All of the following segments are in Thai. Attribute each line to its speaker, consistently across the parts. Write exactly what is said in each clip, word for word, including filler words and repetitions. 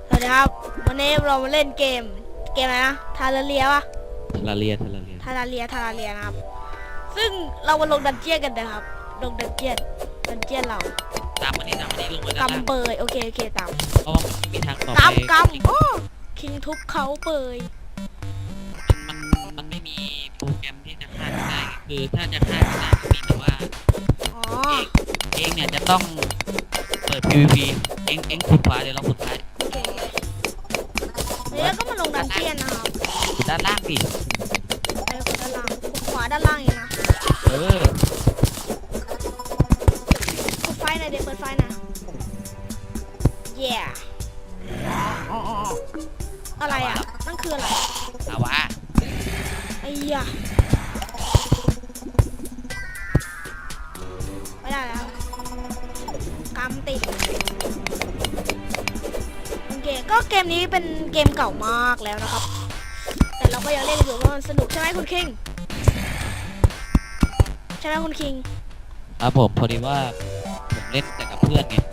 Speaker 1: สวัสดีครับวันนี้เรามาเล่นเกมเกมอะไรนะทาราเลียวะ
Speaker 2: ทาราเลียทาราเลีย
Speaker 1: ทาราเลียทาราเลียนะครับซึ่งเรามาลงดันเจียนกันนะครับลงดันเจียนดันเจียนเรา
Speaker 2: ตามมันนี้ตามมันนี้ลงไปด้านล่าง
Speaker 1: กำเปยโอเคโอเคตาม
Speaker 2: เพราะว่ามันไม่มีทางต่อไป
Speaker 1: กำกำโอ้คิงทุบเขาเปย
Speaker 2: มันมันไม่มีโปรแกรมที่จะฆ่ากันได้คือถ้าจะฆ่ากันได้ก็มีแต่ว่า
Speaker 1: อ๋อ
Speaker 2: เองเนี่ยจะต้องเปิด พี วี พี เองเองขุดขวาเดี๋ยวเราขุดซ้าย
Speaker 1: โอเคแล้วก็มาลงดันเจียนนะครับ
Speaker 2: ขุดด้านล่างดิ
Speaker 1: ไปคนด้านล่างขวาด้านล่างเองนะ
Speaker 2: เออ
Speaker 1: เปิดไฟหน่อยเดี๋ยวเปิดไฟนะเย่อะไรอ่ะนั่นคืออะไร
Speaker 2: ลาวา
Speaker 1: ไอ้ยะไม่ได้แล้วกำติดโอเคก็เกมนี้เป็นเกมเก่ามากแล้วนะครับแต่เราก็ยังเล่นอยู่เพราะมันสนุกใช่ไหมคุณคิงใช่ไหมคุณคิง
Speaker 2: ครับผมพอดีว่าผมเล่นแต่กับเพื่อนไง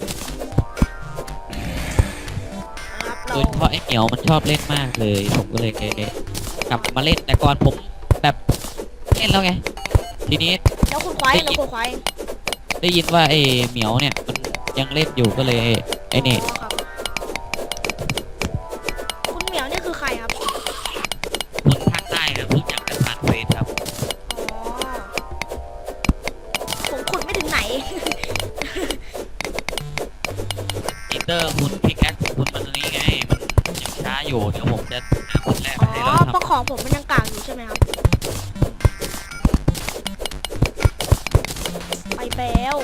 Speaker 1: นะครับ
Speaker 2: โด
Speaker 1: เรา
Speaker 2: ยเฉพาะไอ้เหมียวมันชอบเล่นมากเลยผมก็เลยกลับมาเล่นแต่ก่อนผมแบบเล่นแล้วไงทีนี้
Speaker 1: แล้วคุณควายแล้วคุณควาย
Speaker 2: ได้ยินว่าไอ้เหมียวเนี่ยมันยังเล่นอยู่ก็เลยไอ้นี่
Speaker 1: อ๋อครับคุณเหมียวนี่คือใครครับ
Speaker 2: คนภาคใต้ครับรู้จักกันผ่านเฟซครับ
Speaker 1: อ๋อผมขุดไม่ถึงไหน
Speaker 2: ปีเตอร์คุณพิกแอคคุณมันตรงนี้ไงมันยังช้าอยู่เดี๋ยวผมจะหาคนแรก
Speaker 1: อ๋
Speaker 2: มาให้
Speaker 1: อ
Speaker 2: เรา
Speaker 1: เพราะ
Speaker 2: ทำ
Speaker 1: ของผมมันยังกลางอยู่ใช่ไหมครับไปแล้ว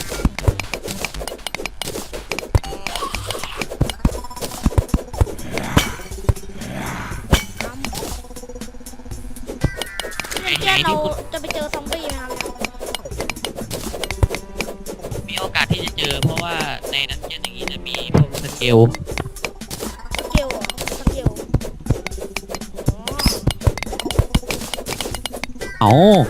Speaker 1: เล่นเกมเราจะไปเจอซอมบี้ไหมครับ
Speaker 2: มีโอกาสที่จะเจอเพราะว่าในนั้นเยอะอย่างนี้จะมีพวกสเกล
Speaker 1: สเกลเหรอสเกลอ๋อ
Speaker 2: เอ้า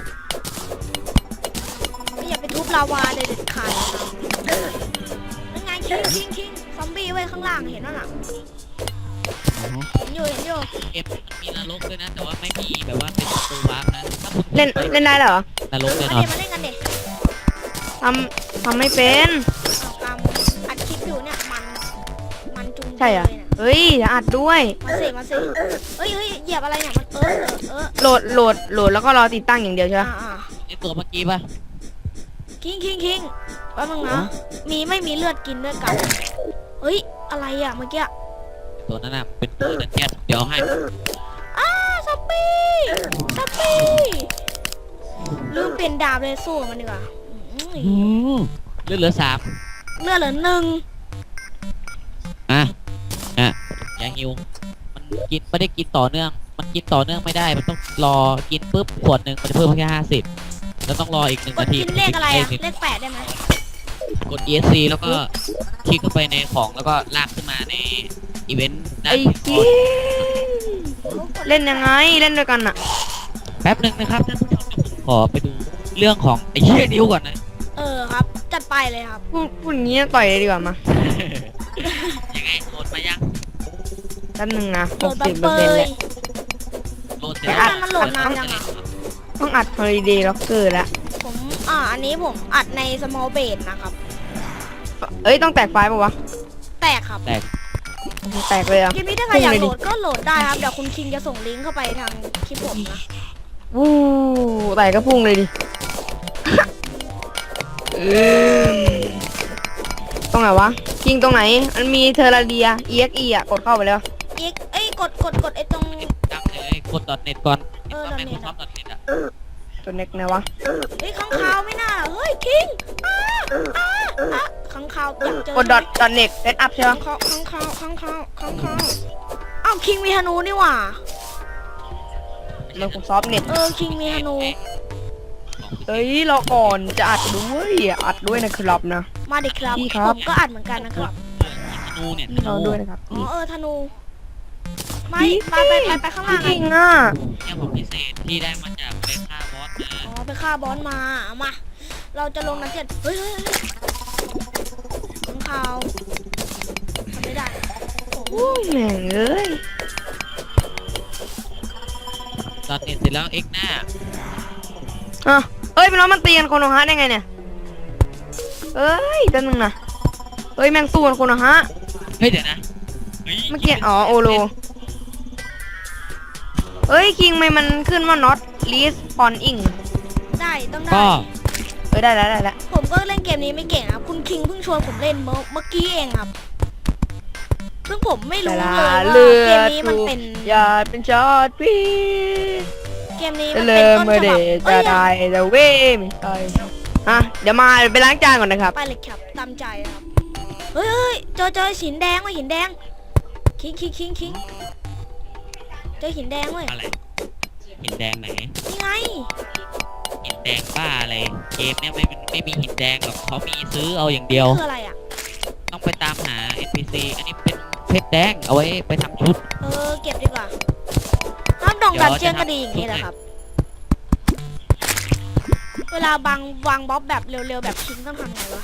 Speaker 1: ไม่อย่าไปทุบลาวาเลยเด็ดขาดนะครับนั่นไงคิงคิงคิงซอมบี้ไว้ข้างล่างเห็นว่าน่ะเห็นอยู่เห็นอยู่
Speaker 2: เกมมันมีนรกด้วยนะแต่ว่าไม่มีแบบว่าเป็นตัววาร์ปนะถ้าคุณ
Speaker 3: เล่นเล่นได้เหรอน
Speaker 2: รกแน่
Speaker 1: มาน
Speaker 2: อน
Speaker 1: เล่นมาเล่นกันเด็ก
Speaker 3: ทำทำไม่เป็น
Speaker 1: เอากำอัดคลิปอยู่เนี่ยมันมันจุง
Speaker 3: ใช่เหรอ
Speaker 1: เลยน่ะ
Speaker 3: เฮ้ยจะอัดด้วย
Speaker 1: มาสิมาสิเอ้ยเอ้ยเหยียบอะไรเนี่ยมันเออเออเออ
Speaker 3: โหลดโหลดโหลดแล้วก็รอติดตั้งอย่างเดียวใช่ไหม
Speaker 1: อ่าอ่า
Speaker 2: ไอตัวเมื่อกี้ป่ะ
Speaker 1: คิงคิงคิงแป๊บนึงนะมีไม่มีเลือดกินด้วยกันเฮ้ยอะไรอ่ะเมื่อกี้
Speaker 2: ตัวนั้นน่ะเป็นตัวดันเจียนเดี๋ยวให้
Speaker 1: อ้าซอมบี้ซอมบี้ลืมเป็นดาบเลยสู้กับมันดีกว่าอืม
Speaker 2: อืมเลือดเหลือสาม
Speaker 1: เลือดเหลือหนึ่ง
Speaker 2: อ่ะอ่ะอย่าหิวมันกินไม่ได้กินต่อเนื่อง มันกินต่อเนื่องไม่ได้มันต้องรอกินปุ๊บขวดหนึ่งมันจะเพิ่มแค่ห้าสิบแล้วต้องรออีกหนึ่ง
Speaker 1: กด
Speaker 2: นาที
Speaker 1: กินเลขอะไรอ่ะ
Speaker 2: มันจ
Speaker 1: เลขแปดได้ไหม
Speaker 2: กด อี เอส ซี แล้วก็คลิกเข้าไปในของแล้วก็ลากขึ้นมาในอีเวนต์ด้า
Speaker 3: ไอ้
Speaker 2: น
Speaker 3: กินเล่นยังไงเล่นด้วยกันอะ
Speaker 2: แป๊บหนึ่งนะครับท่านผู้ชมเดี๋ยวผมขอไปดูเรื่องของไอ้เชี่ยนิ้วก่อนนะ
Speaker 1: เออครับจัดไปเลยครับ
Speaker 3: พูดพูดอย่างนี้ต่อยเลยดีกว่ามา
Speaker 2: ยังไงโหลดมายัง
Speaker 3: แป๊บนึงนะ
Speaker 1: โห
Speaker 3: ห
Speaker 1: ล
Speaker 3: ก
Speaker 1: ดบั
Speaker 3: สิ
Speaker 1: ง
Speaker 3: บ
Speaker 1: เป
Speaker 3: เปอร์เซ็นต์
Speaker 1: ย
Speaker 3: เลย
Speaker 2: โหลดเสร็จ
Speaker 1: แล้
Speaker 2: แล้ว ว
Speaker 1: มันโหลดนานยังอ่ะ
Speaker 3: ต้องอัด Holiday Locker แล้ว
Speaker 1: ผมอ่าอันนี้ผมอัดใน small base นะครับ
Speaker 3: เอ้ยต้องแตกไฟล์ป่าวะ
Speaker 1: แตกครับ
Speaker 2: แตก
Speaker 3: แตกเลยอะ
Speaker 1: คลิปนี้ถ้าใครอยากโหลดก็โหลดได้ครับเดี๋ยวคุณคิงจะส่งลิงก์เข้าไปทางคลิปผมนะ
Speaker 3: วู้แตกก็พุ่งเลยดิเออตรงไหนวะยิงตรงไหนมันมีเทอร์เรีย อี เอ็กซ์ อี อ่ะกดเข้าไปแล้ว
Speaker 1: อีกเอ้ยกดกดกดไอ้ตรง
Speaker 2: ดังเลยกด .net ก่อน
Speaker 1: เออ
Speaker 2: ไม่
Speaker 1: .net
Speaker 2: ชอบ .net อ่ะ
Speaker 3: ตัวเน็กไหนวะ
Speaker 1: เฮ้ยข้างคาวไม่น่าเฮ้ยคิงอ้าอ้าอ้าข้างคาวอยากเจอก
Speaker 3: ดดอทดอทเน็กเซตอัพใช่
Speaker 1: ข้า
Speaker 3: ปะ
Speaker 1: งคาวข้างคาวข้างคาวข้างคาวอ้าวคิงมีธนูนี่หว่า
Speaker 3: มันคงซอฟเน็ต
Speaker 1: เออคิงมีธนู
Speaker 3: เอ้ยรอก่อนจะอัดด้วยอัดด้วยนะครับนะ
Speaker 1: มาดิครับ
Speaker 3: พี่ครับ
Speaker 1: ผมก็อัดเหมือนกันนะครับ
Speaker 2: ธนูเนี่ยธ
Speaker 3: พี่ร
Speaker 2: นู
Speaker 3: อด้วยนะครับ
Speaker 1: อ๋อเออธนูไม่ไปไปไปไปข้างล่าง
Speaker 3: พี่
Speaker 1: ไง
Speaker 3: จริงอ่ะ
Speaker 2: เนี่ยของพิเศษที่ได้มาจากไปฆ่าบอสนะ
Speaker 1: อ๋อไปฆ่าบอสมาเอามา เราจะลงน้ำเจ็ดเฮ้ยเฮ้ยเฮ้ยข้างคาวทำไม่ได้โอ้
Speaker 3: โอ้ยแม่งเอ้ย
Speaker 2: ตอนเน็ตเสร็จแล้วเอ็กหน้า
Speaker 3: อ่ะเอ้ยพี่น้องมันตีกันโคโนฮะได้ไงเนี่ยเอ้ยแป๊บนึงนะเอ้ยแม่งสู้กันโคโนฮะ
Speaker 2: เฮ้ยเดี๋ยวนะฮ้ย
Speaker 3: เมื่อกี้อ๋อโอโลเอ้ยคิงไม่มันขึ้นว่า not responding
Speaker 1: ได้ต้อง
Speaker 2: ก็
Speaker 1: ได้
Speaker 3: เอ้ยได้แล้วได้แล้ว
Speaker 1: ผมก็เล่นเกมนี้ไม่เก่งครับคุณคิงเพิ่งชวนผมเล่นเมื่อเมื่อกี้เองครับซึ่งผมไม่
Speaker 3: แต่
Speaker 1: รู้
Speaker 3: ละ
Speaker 1: เลยว่า
Speaker 3: เลื
Speaker 1: เก
Speaker 3: อ
Speaker 1: ม
Speaker 3: ด
Speaker 1: นี้มันเป็น
Speaker 3: อย่าเป็นชอตพี่
Speaker 1: เกมนี้มัน
Speaker 3: เลิ
Speaker 1: เป็น
Speaker 3: ม
Speaker 1: ต้น
Speaker 3: เมื่อ
Speaker 1: ฉ
Speaker 3: เด
Speaker 1: บับ
Speaker 3: จะ
Speaker 1: เอ้ย
Speaker 3: ได้แต่เว้ยไม่ใช่อ่ะเดี๋ยวมาไปล้างจานก่อนนะครับ
Speaker 1: ไปเลยครับตามใจครับเฮ้ยเฮ้ยเจอเจอหินแดงว่ะหินแดงคิงคิงคิงคิงเจอหินแดงเว้ย
Speaker 2: อะไรหินแดงไหน
Speaker 1: นี่ไง
Speaker 2: หินแดงบ้าอะไรเกมเนี่ยไม่ไม่มีหินแดงหรอกเขามีซื้อเอาอย่างเดียว
Speaker 1: คืออะไรอ่ะ
Speaker 2: ต้องไปตามหา เอ็น พี ซี อันนี้เป็นเพชรแดงเอาไว้ไปทำชุด
Speaker 1: เออเก็บดีกว่าน้ำดอง
Speaker 2: เดี๋
Speaker 1: ดั
Speaker 2: ย
Speaker 1: น
Speaker 2: ว
Speaker 1: เจียน
Speaker 2: จะ
Speaker 1: ก็
Speaker 2: ทำ
Speaker 1: ดีอย่างนี้
Speaker 2: ทุก
Speaker 1: แหละ
Speaker 2: อย่าง
Speaker 1: ครับ เวลาบางวางบล็อกแบบเร็วๆแบบคิงต้องทำไงวะ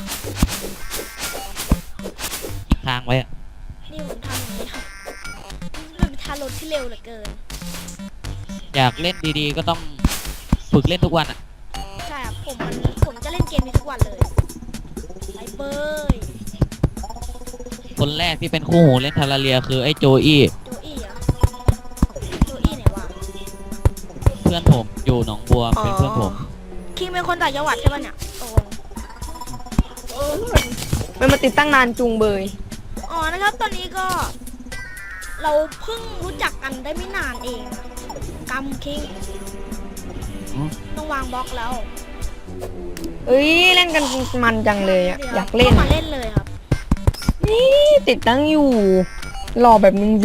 Speaker 2: ค้างไว้อะ
Speaker 1: นี่ผมทำอย่างนี้ครับมันเป็นทารถที่เร็วเหลือเกิน
Speaker 2: อยากเล่นดีๆก็ต้องฝึกเล่นทุกวันอ่ะ
Speaker 1: ใช่ครับผมมันผมจะเล่นเกมนี้ทุกวันเลยไอ้เบย
Speaker 2: คนแรกที่เป็นคู่หูเล่นทาราเรียคือไอ้โจอี้
Speaker 1: โจอี้เหรอโจอี้ไหนวะ
Speaker 2: เพื่อนผมอยู่หนองบัวเป็นเพื่อนผม
Speaker 1: คิงเป็นคนต่างจังหวัดใช่ปะเนี่ยโอ้
Speaker 3: มันมาติดตั้งนานจุงเบย
Speaker 1: อ๋อนะครับตอนนี้ก็ เราเพิ่งรู้จักกันได้ไม่นานเองกำคิง
Speaker 2: อืม
Speaker 1: ต้องวางบล็อกแล้ว
Speaker 3: เอ้ยเล่นกันมันจังเลยอ่ะอยากเล่น
Speaker 1: มาเล่นเลยครับ
Speaker 3: นี่ติดตั้งอยู่รอแบบนึงสิ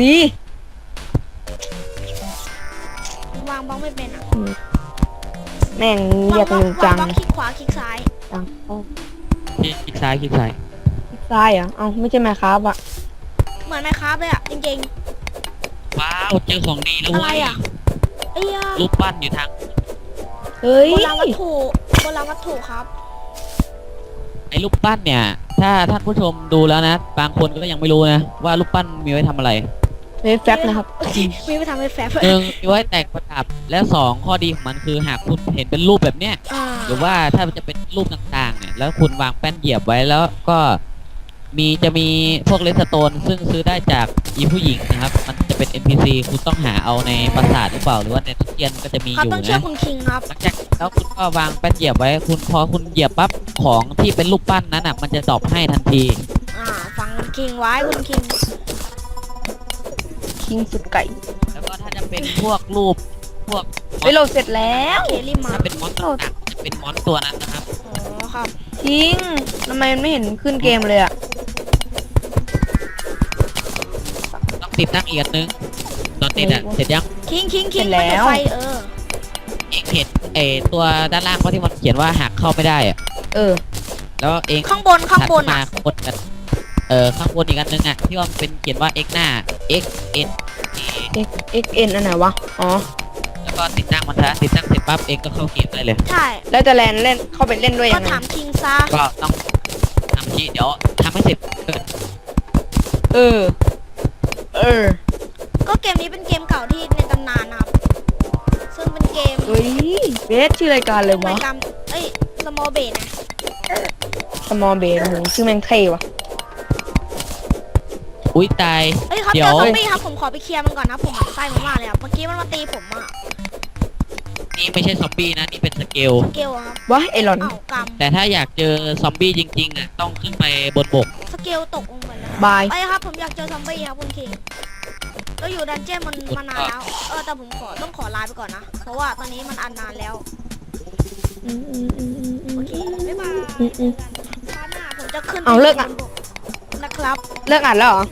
Speaker 1: วางบล็อกไม่เป็นอ่ะ
Speaker 3: แม่ง
Speaker 1: วา
Speaker 3: เรีย
Speaker 1: ง
Speaker 3: ก
Speaker 1: บล็อก
Speaker 3: หนู
Speaker 1: วา
Speaker 3: จั
Speaker 1: ง
Speaker 3: ง
Speaker 1: บล็อกคลิกขวาคลิกซ้าย
Speaker 3: จังโอ้
Speaker 2: คลิกซ้ายคลิกซ้าย
Speaker 3: ซ้ายเหรอ่ะเอ้าไม่ใช่ไหมครับอ่ะ
Speaker 1: เหมือนไมค์ครับเลยอ่ะจริง
Speaker 2: ว้าวเจอของดีแล้ว
Speaker 1: ๆอะไร
Speaker 2: เว้ย
Speaker 1: อ่ะไอ้ยา
Speaker 2: รูปปั้นอยู่ทาง
Speaker 3: เฮ้ย
Speaker 1: โบราณวัตถุโบราณวัตถุครับ
Speaker 2: ไอ้รูปปั้นเนี่ย ถ้าท่านผู้ชมดูแล้วนะ บางคนก็ยังไม่รู้นะว่ารูปปั้นมีไว้ทำอะไร
Speaker 3: เฮ้ยแฟบนะครับ
Speaker 1: มีไปทำให้แฟบ
Speaker 2: หนึ่งมีไว้แต่งประดับและสองข้อดีของมันคือหากคุณเห็นเป็นรูปแบบเนี้ย
Speaker 1: อ่า
Speaker 2: หรือว่าถ้ามันจะเป็นรูปต่างๆเนี่ยแล้วคุณวางแป้นเหยียบไว้แล้วก็มีจะมีพวกเลสโตนซึ่งซื้อได้จากอีผู้หญิงนะครับ มันจะเป็น เอ็น พี ซี คุณต้องหาเอาในปราสาทหรือเปล่าหรือว่าในทุกเทียนก็จะมี
Speaker 1: ครั
Speaker 2: อบ ยู่
Speaker 1: ต้องเชื่อ
Speaker 2: นะ
Speaker 1: คุณคิงครับ
Speaker 2: หลังจากแล้วคุณก็วางแป้นเหยียบไว้ คุณพอคุณเหยียบปั๊บของที่เป็นรูปปั้นนั้นอ่ะมันจะดรอปให้ทันที
Speaker 1: อ่าฟังคุณคิงไว้คุณคิง
Speaker 3: คิงสุดไก่
Speaker 2: แล้วก็ถ้าจะเป็นพวกรูปพวก
Speaker 3: เฮ้ยเราเสร็จแล้ว
Speaker 1: เคลิมา
Speaker 2: ถ้าเป็นมอนต่างๆจะเป็นมอนตัวนั้นนะครับ
Speaker 1: อ๋อครับ
Speaker 3: คิงทำไมมันไม่เห็นขึ้นเกมเลยอ่ะ
Speaker 2: ต้องติดตั้งอีกอันนึงตอนติดอ่ะเสร็จยัง
Speaker 1: คิงคิงคิง
Speaker 3: เสร็จแล้ว
Speaker 1: มันจะไฟเออ
Speaker 2: เองเห็นเออตัวด้านล่างว่าที่มันเขียนว่าหากเข้าไม่ได้อะ
Speaker 3: เออ
Speaker 2: แล้วเอง
Speaker 1: ข้างบนข้างบน
Speaker 2: ถัดมา
Speaker 1: อ่ะ
Speaker 2: ข้างบนกันเออข้างบนอีกอันนึงอ่ะที่ว่ามันเป็นเขียนว่า x หน้า x n a
Speaker 3: x x n อันไหนวะอ๋อ
Speaker 2: แล้วก็ติดตั้งมันซะติดตั้งเสร็จปั๊บเองก็เข้าเกมได้เลย
Speaker 1: ใช่
Speaker 3: แล้วจะแลนเล่นเข้าไปเล่นด้วย
Speaker 1: ก็
Speaker 3: ยังไง
Speaker 1: ถามคิงซะ
Speaker 2: ก็ต้องทำที่เดี๋ยวทำให้เสร็จเออ
Speaker 3: เออ เออ
Speaker 1: ก็เกมนี้เป็นเกมเก่าที่ในตำนานนะครับ ซึ่งเป็นเกม
Speaker 3: เฮ้ยเบสชื่อรายการเลยวะ
Speaker 1: รายการเอ้ย small b a s นะ
Speaker 3: small base โอ้โหชื่อแม่งเท่วะ
Speaker 2: อุ้ยตาย
Speaker 1: เอ้ยครับ
Speaker 2: เดี๋
Speaker 1: เจ
Speaker 2: ยว
Speaker 1: อซอมบี้ครับผมขอไปเคลียร์มันก่อนนะผมหมั่นไส้มันมากเลยครับเมื่อกี้มันมาตีผมอ่ะ
Speaker 2: นี่ไม่ใช่ซอมบี้นะนี่เป็นสเกล
Speaker 1: เกลอะครับ
Speaker 3: วะไอรอน
Speaker 1: เอ้ากำ
Speaker 2: แต่ถ้าอยากเจอซอมบี้จริงๆอ่ะต้องขึ้นไปบนบก
Speaker 1: สเกลตกลงไปแล้ว
Speaker 3: บาย
Speaker 1: ไปครับผมอยากเจอซอมบี้ครับคุณคิงเราอยู่ดันเจี้ยนมันมานานแล้ว เออแต่ผมขอต้องขอลาไปก่อนนะ เพราะว่าตอนนี้มันอันนานแล้ว
Speaker 3: อืมอืมอืมอืมอื
Speaker 1: โอ
Speaker 3: ม
Speaker 1: เค บ๊ายบาย
Speaker 3: อืมอืม
Speaker 1: คราวหน้าผมจะขึ้น
Speaker 3: เอาเลิกอะ
Speaker 1: นะครับ
Speaker 3: เลิกอ่านแล้วเหรอ